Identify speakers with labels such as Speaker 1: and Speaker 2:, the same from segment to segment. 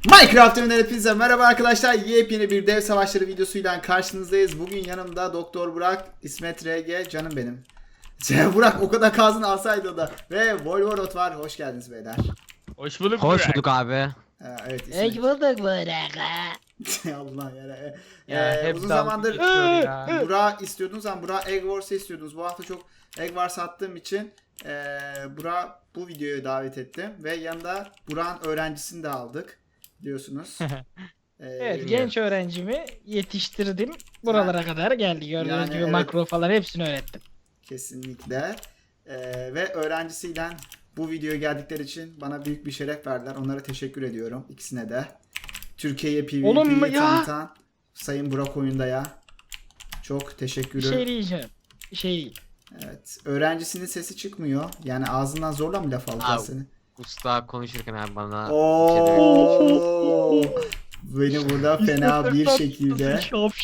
Speaker 1: Minecraft oyunları hepinize merhaba arkadaşlar. Yepyeni bir dev savaşları videosuyla karşınızdayız. Bugün yanımda Doktor Burak, İsmet RG, canım benim. Burak o kadar kazını alsaydı o da. Ve Volvorot var. Hoş geldiniz beyler.
Speaker 2: Hoş bulduk.
Speaker 3: Hoş bulduk abi.
Speaker 1: Evet
Speaker 4: Hoş
Speaker 1: İsmet.
Speaker 4: bulduk Burak.
Speaker 1: Allah ya.
Speaker 2: Ya,
Speaker 1: Uzun
Speaker 2: dalga
Speaker 1: zamandır
Speaker 2: geçiyor ya.
Speaker 1: Burak'ı istiyordunuz ama Burak Egg Wars'ı istiyordunuz. Bu hafta çok Egg Wars attığım için Burak bu videoya davet ettim. Ve yanında Burak'ın öğrencisini de aldık. Biliyorsunuz.
Speaker 4: Evet, genç öğrencimi yetiştirdim. Buralara kadar geldi. Gördüğünüz
Speaker 1: Yani
Speaker 4: gibi
Speaker 1: evet.
Speaker 4: makro falan hepsini öğrettim.
Speaker 1: Kesinlikle. Ve öğrencisiyle bu videoya geldikleri için bana büyük bir şeref verdiler. Onlara teşekkür ediyorum. İkisine de. Türkiye'ye
Speaker 4: Oğlum
Speaker 1: PvP'yi
Speaker 4: ya.
Speaker 1: tanıtan Sayın Burak Oyunda'ya çok
Speaker 4: Bir
Speaker 1: teşekkürüm.
Speaker 4: şey diyeceğim.
Speaker 1: Evet. Öğrencisinin sesi çıkmıyor. Yani ağzından zorla mı laf alacağız
Speaker 3: Abi.
Speaker 1: seni?
Speaker 3: Usta konuşurken abi bana bir şey demek.
Speaker 1: Oo. Beni burada fena bir şekilde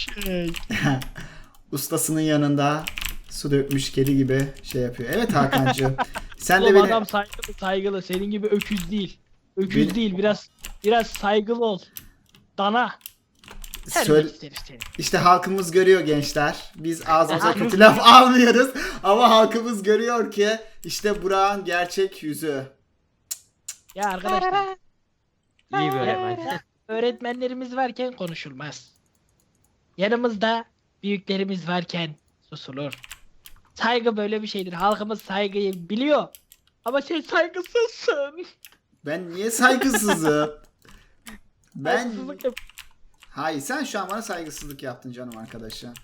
Speaker 1: ustasının yanında su dökmüş kedi gibi şey yapıyor. Evet Hakan'cığım. Sen de
Speaker 4: Oğlum
Speaker 1: beni
Speaker 4: adam saygılı. Senin gibi öküz değil. Öküz
Speaker 1: Beni-
Speaker 4: değil. Biraz saygılı ol. Dana.
Speaker 1: söyle.
Speaker 4: isteriz seni.
Speaker 1: İşte halkımız görüyor gençler. Biz ağzımıza kötü laf almıyoruz. Ama halkımız görüyor ki işte Burak'ın gerçek yüzü.
Speaker 4: Ya arkadaşlar.
Speaker 3: İyi bir öğretmen.
Speaker 4: Öğretmenlerimiz varken konuşulmaz. Yanımızda büyüklerimiz varken susulur. Saygı böyle bir şeydir. Halkımız saygıyı biliyor. Ama sen saygısızsın.
Speaker 1: Ben niye saygısızım? Ben...
Speaker 4: Saygısızlık yap-
Speaker 1: Hayır sen şu an bana saygısızlık yaptın canım arkadaşım.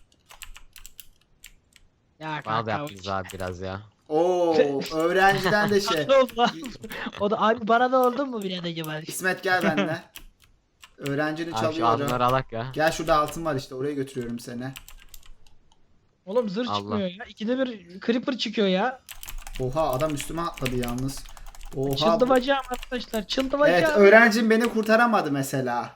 Speaker 4: Ya
Speaker 3: Bana da
Speaker 4: kanka,
Speaker 3: yaptınız abi biraz ya.
Speaker 1: Oo öğrenciden de şey.
Speaker 4: Ne oldu lan? O da abi bana da oldu mu biraz acaba?
Speaker 1: İsmet gel benimle. Öğrencini
Speaker 3: Abi şu
Speaker 1: çalıyorum.
Speaker 3: altınları alak ya.
Speaker 1: Gel şurada altın var işte oraya götürüyorum seni.
Speaker 4: Oğlum zırh
Speaker 3: Allah.
Speaker 4: çıkmıyor ya. İkide bir creeper çıkıyor ya.
Speaker 1: Oha adam üstüme atladı yalnız. Oha.
Speaker 4: Çıldı bacağım arkadaşlar. Çıldı
Speaker 1: Evet
Speaker 4: bacağım.
Speaker 1: öğrencim beni kurtaramadı mesela.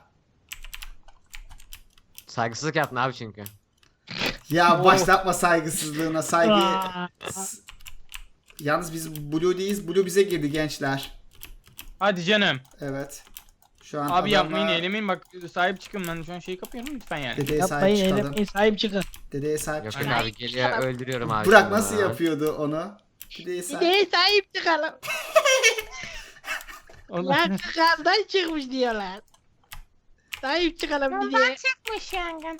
Speaker 3: Saygısızlık yaptın abi çünkü.
Speaker 1: Ya başlatma saygısızlığına saygı.
Speaker 4: Aa,
Speaker 1: Yalnız biz Blue değiliz. Blue bize girdi gençler.
Speaker 2: Hadi canım.
Speaker 1: Evet. Şu an
Speaker 2: Abi yapmayın
Speaker 1: adamla
Speaker 2: eylemeyin bak sahip çıkın ben şu an şeyi kapıyorum lütfen yani.
Speaker 1: dedeye
Speaker 4: Yapmayın
Speaker 1: sahip çıkalım.
Speaker 4: eylemeyin sahip çıkın.
Speaker 1: Dedeye sahip
Speaker 3: Yok
Speaker 1: çıkalım.
Speaker 3: abi geliyor öldürüyorum abi.
Speaker 1: Burak
Speaker 3: şimdi
Speaker 1: nasıl
Speaker 3: bunu.
Speaker 1: yapıyordu onu? Dedeye sahip.
Speaker 4: Neye sahip çıkalım?
Speaker 2: Onu-
Speaker 4: Lan kandan çıkmış diyorlar. Sahip çıkalım bir diye.
Speaker 5: çıkmış yangın.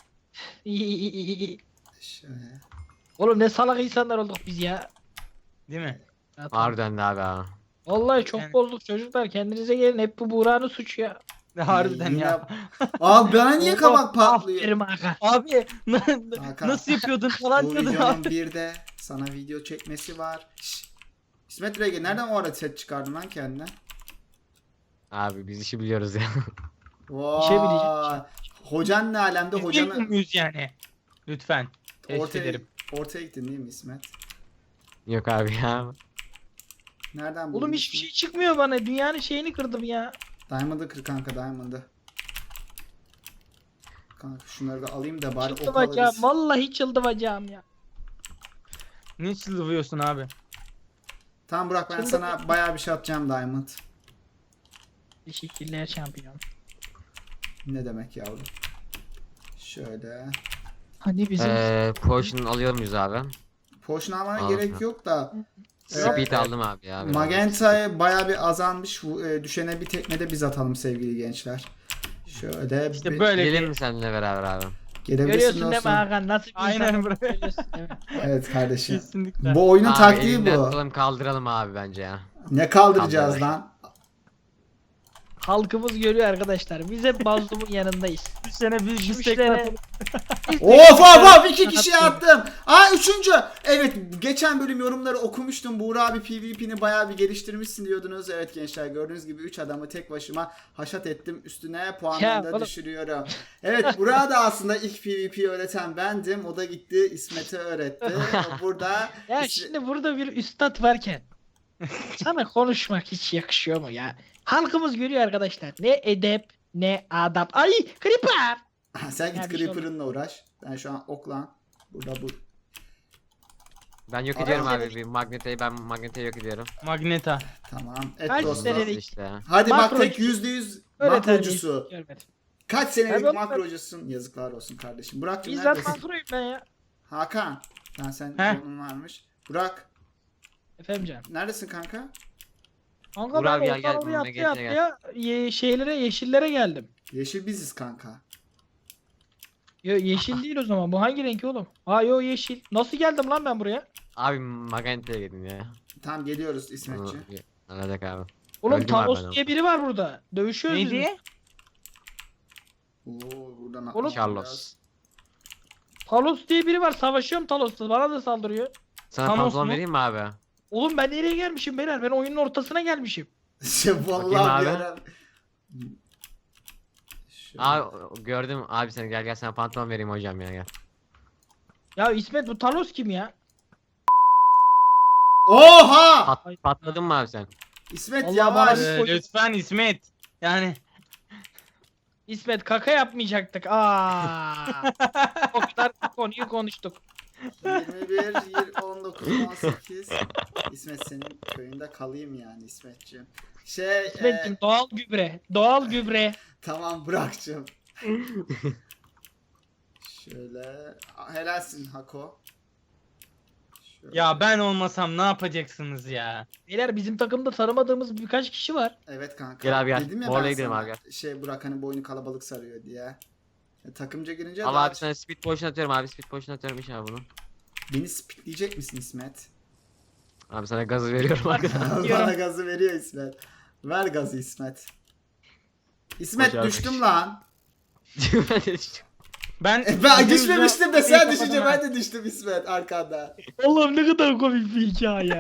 Speaker 1: Şöyle.
Speaker 4: Oğlum ne salak insanlar olduk biz ya.
Speaker 2: Değil mi?
Speaker 3: Harbiden de abi ha.
Speaker 4: Vallahi çok
Speaker 2: Yani-
Speaker 4: bozduk çocuklar, kendinize gelin, hep bu Buğra'nın suçu ya.
Speaker 2: Harbiden
Speaker 1: Yine-
Speaker 2: ya.
Speaker 1: Abi bana niye kabak patlıyor?
Speaker 4: Aferin Hakan.
Speaker 2: Abi
Speaker 1: Hakan,
Speaker 2: nasıl yapıyordun falan
Speaker 1: Bu
Speaker 2: diyordun
Speaker 1: videonun
Speaker 2: abi.
Speaker 1: bir de sana video çekmesi var. Şşş. İsmet Rege nereden o ara set çıkardın lan kendine?
Speaker 3: Abi biz işi biliyoruz ya.
Speaker 1: Vay.
Speaker 4: şey bileceğim.
Speaker 1: Hocan ne alemde
Speaker 2: Bilmiyor
Speaker 1: hocanı
Speaker 2: muyuz yani? Lütfen. Teşekkür
Speaker 1: ortaya,
Speaker 2: ederim.
Speaker 1: ortaya gittin değil mi İsmet?
Speaker 3: Yok abi ya.
Speaker 1: Nereden buldun?
Speaker 4: Oğlum hiçbir şey çıkmıyor bana. Dünyanın şeyini kırdım ya.
Speaker 1: Diamond'ı kır kanka Diamond'ı. Kanka şunları da alayım da bari
Speaker 4: Çıldı
Speaker 1: ok
Speaker 4: bacağım.
Speaker 1: alırız.
Speaker 4: Vallahi çıldı bacağım ya.
Speaker 2: Ne çıldıvıyorsun abi?
Speaker 1: Tamam Burak ben
Speaker 4: Çıldı
Speaker 1: sana bayağı bir şey atacağım Diamond.
Speaker 4: Teşekkürler şampiyon.
Speaker 1: Ne demek yavrum? Şöyle.
Speaker 4: Hani bizim
Speaker 3: Potion alıyor muyuz abi?
Speaker 1: Potion almana
Speaker 3: Al.
Speaker 1: gerek yok da.
Speaker 3: Speed aldım abi ya. biraz.
Speaker 1: Magenta'ya bayağı bir azalmış. Düşene bir tekmede biz atalım sevgili gençler. Şöyle
Speaker 2: İşte
Speaker 1: bir-
Speaker 2: böyle
Speaker 3: Gelin
Speaker 2: bir...
Speaker 3: mi seninle beraber abi?
Speaker 1: gelebilirsin
Speaker 4: görüyorsun değil mi
Speaker 1: dostum.
Speaker 4: Hakan? Nasıl bir
Speaker 2: Aynen
Speaker 4: insan
Speaker 2: bro.
Speaker 4: görüyorsun değil mi?
Speaker 1: Evet kardeşim.
Speaker 2: Kesinlikle.
Speaker 1: Bu oyunun
Speaker 3: Abi
Speaker 1: taktiği
Speaker 3: elinden
Speaker 1: bu.
Speaker 3: tutalım kaldıralım abi bence ya.
Speaker 1: Ne kaldıracağız
Speaker 3: Kaldıralım.
Speaker 1: lan?
Speaker 4: Halkımız görüyor arkadaşlar. Biz hep mazlumun yanındayız.
Speaker 2: Bir sene bir
Speaker 4: Düşmüşlere-
Speaker 1: Of of of 2 kişiye attım. Aa 3. Evet geçen bölüm yorumları okumuştum. Buğra abi PvP'ni bayağı bir geliştirmişsin diyordunuz. Evet gençler gördüğünüz gibi 3 adamı tek başıma haşat ettim. Üstüne puanlarını da
Speaker 4: oğlum.
Speaker 1: düşürüyorum. Evet Buğra da aslında ilk PvP öğreten bendim. O da gitti İsmet'e öğretti. Burada
Speaker 4: Ya şimdi burada bir üstad varken sana konuşmak hiç yakışıyor mu ya? Halkımız görüyor arkadaşlar. Ne edep ne adap. Ay creeper.
Speaker 1: sen
Speaker 4: Ya
Speaker 1: git
Speaker 4: bir şey
Speaker 1: Creeper'ınla uğraş. Ben şu an okla burada bu.
Speaker 3: Ben yok
Speaker 1: Abi,
Speaker 3: ediyorum
Speaker 4: abi.
Speaker 3: abi. Bir Magneta'yı yok ediyorum.
Speaker 2: Magneta.
Speaker 1: Tamam. Et
Speaker 4: Kaç
Speaker 1: dostum.
Speaker 4: sene-
Speaker 3: Nasıl
Speaker 4: Denedik.
Speaker 3: işte ya.
Speaker 1: Hadi bak
Speaker 4: Makro-
Speaker 1: tek %100
Speaker 4: Öyle
Speaker 1: makrocusu.
Speaker 4: Görmedim.
Speaker 1: Kaç senelik
Speaker 4: Abi,
Speaker 1: makrocusun? Yazıklar olsun kardeşim. Burak'cığım
Speaker 4: Bizzat
Speaker 1: neredesin?
Speaker 4: makroyum ben ya.
Speaker 1: Hakan. Sen
Speaker 2: Heh.
Speaker 1: onun varmış. Burak.
Speaker 4: Efendim canım.
Speaker 1: Neredesin kanka?
Speaker 4: Kanka
Speaker 3: Burak
Speaker 4: ben
Speaker 3: gel, gel,
Speaker 4: ortalığı
Speaker 3: bununla
Speaker 4: yaptı
Speaker 3: gel,
Speaker 4: şeylere yeşillere geldim.
Speaker 1: Yeşil biziz kanka.
Speaker 4: Yo, yeşil değil o zaman. Bu hangi renk oğlum? Aa yo yeşil. Nasıl geldim lan ben buraya?
Speaker 3: Abi Magenta'ya gidin ya.
Speaker 1: Tamam geliyoruz İsmetçi.
Speaker 3: Alacak abi.
Speaker 4: Oğlum
Speaker 3: Öldüm abi
Speaker 4: Talos
Speaker 3: ben
Speaker 4: diye biri var burada. Dövüşüyoruz biz.
Speaker 2: Neydi?
Speaker 1: Oo buradan
Speaker 4: Oğlum-
Speaker 3: Carlos.
Speaker 4: Talos diye biri var. Savaşıyorum Talos'la. Bana da saldırıyor.
Speaker 3: Sana
Speaker 2: Thanos
Speaker 3: pantolon
Speaker 2: mu?
Speaker 3: vereyim mi abi?
Speaker 4: Oğlum ben nereye gelmişim beyler? Ben oyunun ortasına gelmişim.
Speaker 1: Vallahi
Speaker 3: abi.
Speaker 1: bir ara- Şöyle.
Speaker 3: Abi gördüm abi seni gel sana pantolon vereyim hocam ya gel.
Speaker 4: Ya İsmet bu Talos kim ya?
Speaker 1: Oha!
Speaker 3: Patladın mı abi sen?
Speaker 1: İsmet
Speaker 4: Allah
Speaker 1: yavaş.
Speaker 4: bana-
Speaker 2: Lütfen İsmet. Yani
Speaker 4: İsmet kaka yapmayacaktık. Aa. O kadar konuyu konuştuk.
Speaker 1: 21, 19, 18. İsmet senin köyünde kalayım yani İsmetciğim.
Speaker 4: İsmet'cim doğal gübre. Doğal gübre.
Speaker 1: Tamam Burak'cığım. Şöyle. Helalsin Hako. Şöyle.
Speaker 2: ya ben olmasam ne yapacaksınız ya?
Speaker 4: Beyler bizim takımda tanımadığımız birkaç kişi var.
Speaker 1: Evet kanka.
Speaker 3: Gel abi, gel.
Speaker 1: Dedim ya
Speaker 3: Oraya
Speaker 1: ben
Speaker 3: gidelim
Speaker 1: sana,
Speaker 3: abi,
Speaker 1: Şey Burak hani boynu kalabalık sarıyor diye. Takımca girince
Speaker 3: Al
Speaker 1: daha
Speaker 3: abi sana speed potion atıyorum abi speed potion atıyorum iş abi bunu.
Speaker 1: beni spitleyecek misin İsmet?
Speaker 3: Abi sana gazı veriyorum arkadan.
Speaker 1: Bana gazı veriyor İsmet. Ver gazı İsmet. İsmet
Speaker 3: Başarmış.
Speaker 1: düştüm lan.
Speaker 2: Ben
Speaker 1: Ben düşmemiştim de sen
Speaker 2: Kapatın
Speaker 1: düşünce
Speaker 2: ha.
Speaker 1: ben de düştüm İsmet arkanda.
Speaker 4: Allah'ım ne kadar komik bir hikaye.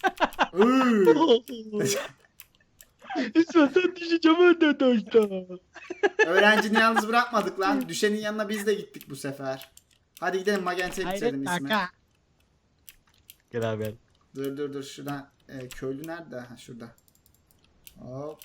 Speaker 1: Iıı.
Speaker 4: İsmet sen düşeceğim önden aşağı.
Speaker 1: Öğrencini yalnız bırakmadık lan. Düşenin yanına biz de gittik bu sefer. Hadi gidelim Magenta'yı bitirelim
Speaker 4: Hayret
Speaker 1: İsmet.
Speaker 4: kaka.
Speaker 3: Gel abi gel.
Speaker 1: Dur şuradan. Köylü nerede? Ha şurada. Hop.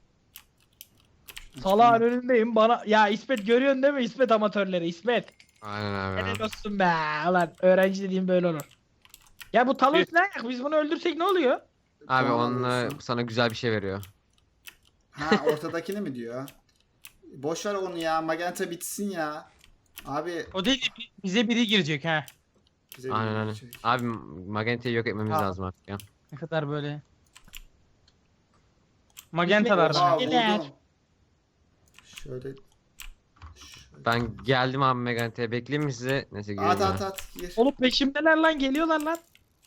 Speaker 4: Salağın önündeyim bana. Ya İsmet görüyorsun değil mi İsmet amatörleri İsmet.
Speaker 3: Aynen abi.
Speaker 4: Helal olsun be. Ulan öğrenci dediğim böyle olur. Ya bu Talos ne ayak? Biz bunu öldürsek ne oluyor?
Speaker 3: Abi
Speaker 1: Tamam,
Speaker 3: onunla
Speaker 1: olsun.
Speaker 3: sana güzel bir şey veriyor.
Speaker 1: Ha ortadakini mi diyor? Boş ver onu ya. Magenta bitsin ya. Abi
Speaker 2: o değil bize biri girecek ha.
Speaker 1: bize bir
Speaker 3: Aynen aynen.
Speaker 1: şey.
Speaker 3: Abi Magenta'yı yok etmemiz
Speaker 2: Ha.
Speaker 3: lazım artık ya.
Speaker 2: Ne kadar böyle. Magentalar
Speaker 4: Oha.
Speaker 2: bana.
Speaker 1: Aa,
Speaker 4: Neler?
Speaker 1: vurdum. Şöyle.
Speaker 3: Ben geldim abi Magenta'ya bekleyeyim mi size? Neyse gireyim
Speaker 1: At
Speaker 3: ya.
Speaker 1: at gir.
Speaker 4: Oğlum peşimdeler lan geliyorlar lan.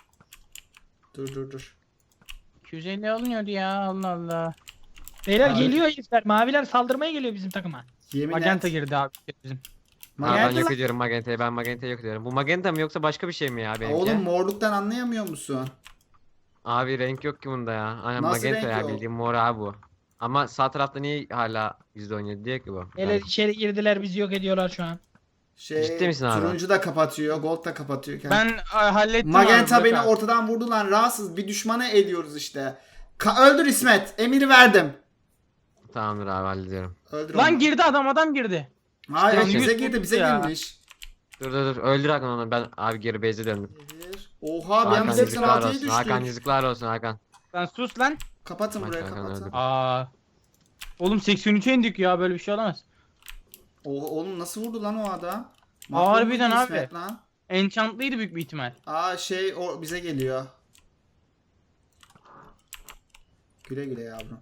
Speaker 1: Dur.
Speaker 2: 250 alınıyordu ya Allah Allah.
Speaker 4: Beyler
Speaker 1: Abi.
Speaker 4: geliyor herifler. Maviler saldırmaya geliyor bizim takıma.
Speaker 1: Yemin
Speaker 2: Magenta
Speaker 1: et.
Speaker 2: girdi abi bizim.
Speaker 3: Abi ben
Speaker 1: Magenta
Speaker 3: yok
Speaker 1: lan.
Speaker 3: ediyorum Magenta'yı. Ben Magenta'yı yok ediyorum. Bu Magenta mı yoksa başka bir şey mi ya benimki?
Speaker 1: Oğlum morluktan anlayamıyor musun?
Speaker 3: Abi renk yok ki bunda ya. Aynen
Speaker 1: Nasıl
Speaker 3: Magenta
Speaker 1: renk
Speaker 3: ya
Speaker 1: yok?
Speaker 3: bildiğim mor abi bu. Ama sağ tarafta niye hala %17 diye ki bu?
Speaker 4: Beyler
Speaker 3: Yani
Speaker 4: içeri girdiler bizi yok ediyorlar şu an.
Speaker 1: Şey,
Speaker 3: misin abi?
Speaker 1: turuncu da kapatıyor, gold da kapatıyor.
Speaker 2: Ben hallettim
Speaker 1: Magenta
Speaker 2: abi,
Speaker 1: beni
Speaker 2: bırak abi.
Speaker 1: ortadan vurdu lan. Rahatsız bir düşmanı ediyoruz işte. Öldür İsmet. Emiri verdim.
Speaker 3: Tamamdır abi hallediyorum.
Speaker 1: Öldür
Speaker 2: Lan
Speaker 1: onu.
Speaker 2: girdi adam girdi.
Speaker 1: Hayır
Speaker 3: İşte
Speaker 1: bize
Speaker 2: yüz
Speaker 1: girdi
Speaker 2: vurdu
Speaker 1: bize
Speaker 2: ya.
Speaker 1: girmiş.
Speaker 3: Dur öldür Hakan onu ben abi geri base'e döndüm.
Speaker 1: Bir. Oha bir
Speaker 3: Hakan
Speaker 1: anda
Speaker 3: yazıklar
Speaker 1: 86'ya
Speaker 3: olsun Hakan
Speaker 1: düştük.
Speaker 3: yazıklar olsun Hakan.
Speaker 2: Lan sus lan.
Speaker 1: Kapatın
Speaker 3: Bak,
Speaker 1: burayı
Speaker 3: Hakan
Speaker 1: kapatın.
Speaker 3: öldü.
Speaker 2: Aa. Oğlum 83'e indik ya böyle bir şey olamaz.
Speaker 1: Oğlum nasıl vurdu lan o adam?
Speaker 2: Harbiden
Speaker 1: Mahvoldu
Speaker 2: abi.
Speaker 1: İsmet Lan.
Speaker 2: Enchantlıydı büyük bir ihtimal.
Speaker 1: Aa şey o bize geliyor. Güle güle yavrum.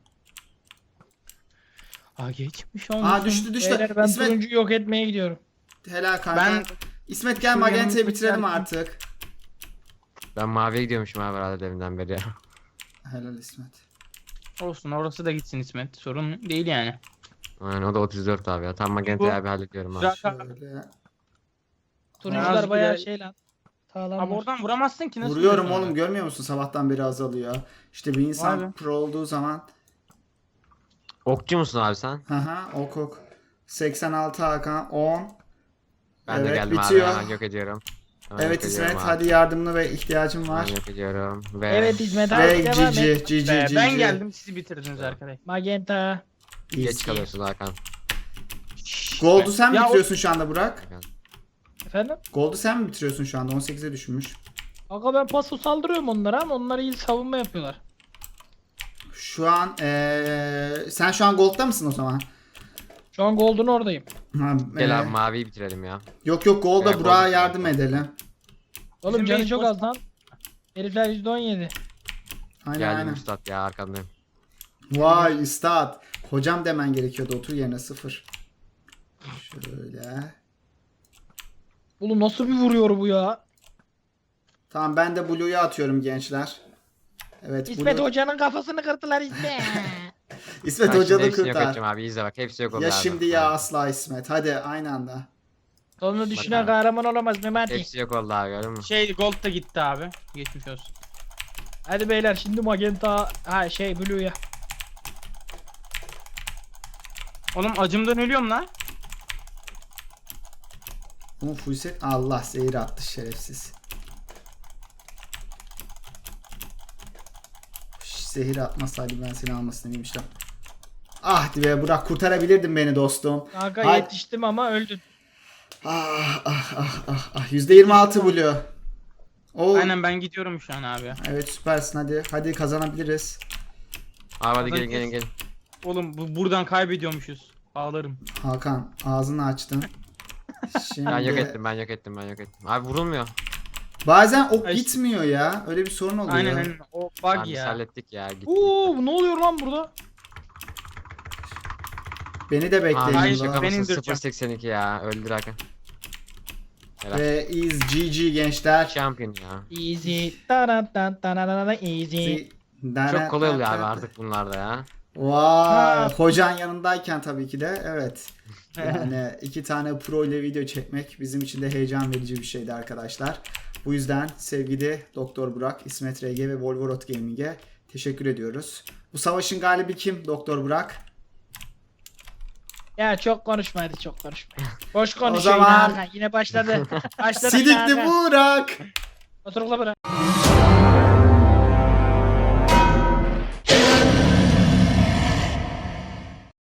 Speaker 2: Aa geçmiş olmuş.
Speaker 1: Aa düştü
Speaker 4: Beyler ben
Speaker 1: İsmet
Speaker 4: turuncuyu yok etmeye gidiyorum.
Speaker 1: helal kanka.
Speaker 2: Ben-
Speaker 1: İsmet gel
Speaker 2: Şu
Speaker 1: Magenta'yı
Speaker 2: yanımızda
Speaker 1: bitirelim
Speaker 2: geldim.
Speaker 1: artık.
Speaker 3: Ben maviye gidiyormuşum abi herhalde deminden beri ya.
Speaker 1: Helal İsmet.
Speaker 2: Olsun orası da gitsin İsmet. Sorun değil yani.
Speaker 3: Aynen o da 34 abi ya. Tam Magenta'yı abi hallediyorum abi.
Speaker 2: Güzel.
Speaker 1: Şöyle.
Speaker 4: Turuncular
Speaker 2: Azıcık
Speaker 4: bayağı
Speaker 2: bile-
Speaker 4: şey lan. Sağlam.
Speaker 2: Abi oradan vuramazsın ki nasıl
Speaker 1: Vuruyorum
Speaker 2: vuruyorsun
Speaker 1: oğlum
Speaker 2: orada?
Speaker 1: görmüyor musun? Sabahtan beri azalıyor. İşte bir insan
Speaker 2: Vay be.
Speaker 1: pro olduğu zaman
Speaker 3: Okçu musun abi sen?
Speaker 1: haha ok. 86 Hakan 10.
Speaker 3: Ben de
Speaker 1: Evet,
Speaker 3: geldim
Speaker 1: bitiyor.
Speaker 3: abi hemen yok ediyorum. Hemen
Speaker 1: Evet
Speaker 3: yok ediyorum
Speaker 1: İsmet
Speaker 3: abi.
Speaker 1: hadi yardımına ve ihtiyacım var.
Speaker 3: Hemen yok ediyorum. Ve
Speaker 4: Evet İsmet abi
Speaker 1: Ve
Speaker 4: devam et.
Speaker 1: GG
Speaker 2: Be,
Speaker 1: GG
Speaker 2: ben geldim sizi bitirdiniz arkadaş.
Speaker 4: Magenta.
Speaker 3: geç kalıyorsun Hakan.
Speaker 1: Gold'u sen mi
Speaker 2: Ya o-
Speaker 1: bitiriyorsun şu anda Burak?
Speaker 4: Efendim?
Speaker 1: Gold'u sen mi bitiriyorsun şu anda? 18'e düşmüş.
Speaker 4: Aga ben paso saldırıyorum onlara ama onlar iyi savunma yapıyorlar.
Speaker 1: Şu an sen şu an Gold'da mısın o zaman?
Speaker 4: Şu an Golden oradayım.
Speaker 1: Ha,
Speaker 3: Gel abi maviyi bitirelim ya.
Speaker 1: Yok yok Gold'da
Speaker 3: Ya,
Speaker 1: Burak'a
Speaker 3: Gold'da
Speaker 1: yardım
Speaker 3: bitirelim.
Speaker 1: edelim.
Speaker 4: Oğlum
Speaker 2: Bizim
Speaker 4: canı
Speaker 2: base
Speaker 4: çok
Speaker 2: boş.
Speaker 4: az lan. Herifler %17.
Speaker 1: Aynen
Speaker 3: Geldim
Speaker 1: aynen.
Speaker 3: üstad ya arkandayım.
Speaker 1: Vay üstad. Hocam demen gerekiyordu, otur yerine 0. Şöyle.
Speaker 4: Oğlum nasıl bir vuruyor bu ya?
Speaker 1: Tamam ben de Blue'yu atıyorum gençler. Evet
Speaker 4: İsmet
Speaker 1: Blue.
Speaker 4: Hoca'nın kafasını kırdılar İsmet.
Speaker 1: İsmet
Speaker 3: Ben şimdi
Speaker 1: Hoca'nı
Speaker 3: hepsini yok
Speaker 1: kurtar.
Speaker 3: edeceğim abi izle bak hepsi yok oldu
Speaker 1: Ya
Speaker 3: abi.
Speaker 1: şimdi ya
Speaker 3: Abi.
Speaker 1: asla İsmet. Hadi aynı anda.
Speaker 4: Sonunu düşünen
Speaker 3: abi.
Speaker 4: kahraman olamaz Memati.
Speaker 3: Hepsi yok oldu abi gördün mü?
Speaker 2: Gold da gitti abi. Geçmiş olsun.
Speaker 4: Hadi beyler şimdi Magenta Blue'ya.
Speaker 2: Oğlum acımdan ölüyorum lan.
Speaker 1: Bunu full set. Allah zehir attı şerefsiz. Zehir atmasaydı ben seni almasını demiştim. Ah be Burak, kurtarabilirdin beni dostum.
Speaker 4: Kanka
Speaker 1: Hadi.
Speaker 4: yetiştim ama öldün.
Speaker 1: Ah ah ah ah ah. %26 Blue. Oo.
Speaker 2: Aynen ben gidiyorum şu an abi.
Speaker 1: Evet süpersin, hadi. Hadi kazanabiliriz.
Speaker 3: Abi hadi
Speaker 2: Adam
Speaker 3: gelin gelin
Speaker 2: kes.
Speaker 3: gelin.
Speaker 2: Oğlum buradan kaybediyormuşuz. Ağlarım.
Speaker 1: Hakan ağzını açtın. Şimdi
Speaker 3: Ben yok ettim ben yok ettim ben yok ettim. Abi vurulmuyor.
Speaker 1: bazen ok
Speaker 2: Ay,
Speaker 1: gitmiyor ya. Öyle bir sorun oluyor.
Speaker 2: Aynen aynen. O bug
Speaker 3: Abi biz
Speaker 2: ya.
Speaker 3: hallettik ya gitti.
Speaker 4: Oo ne oluyor lan burada?
Speaker 1: Beni de bekleyin.
Speaker 3: Abi
Speaker 2: Hayır,
Speaker 1: burada.
Speaker 3: şaka
Speaker 2: ben
Speaker 3: mısın
Speaker 2: indireceğim.
Speaker 3: 0.82 ya öldür Hakan. Helal.
Speaker 1: Ve is GG gençler.
Speaker 3: Champion ya.
Speaker 4: Easy. Taran tan taran easy.
Speaker 3: Çok kolay oluyor abi artık bunlarda ya.
Speaker 1: Vay, hocan yanındayken tabii ki de evet. Yani 2 tane pro ile video çekmek bizim için de heyecan verici bir şeydi arkadaşlar. Bu yüzden sevgili Doktor Burak, İsmet RG ve Volvorot Gaming'e teşekkür ediyoruz. Bu savaşın galibi kim Doktor Burak?
Speaker 4: Ya çok konuşma hadi çok konuşma. Boş
Speaker 1: O
Speaker 4: konuşuyor
Speaker 1: zaman-
Speaker 4: yine Hakan. Yine başladı. Başladı yine
Speaker 1: Sidikli
Speaker 4: Hakan.
Speaker 1: Burak.
Speaker 4: Oturukla bırak.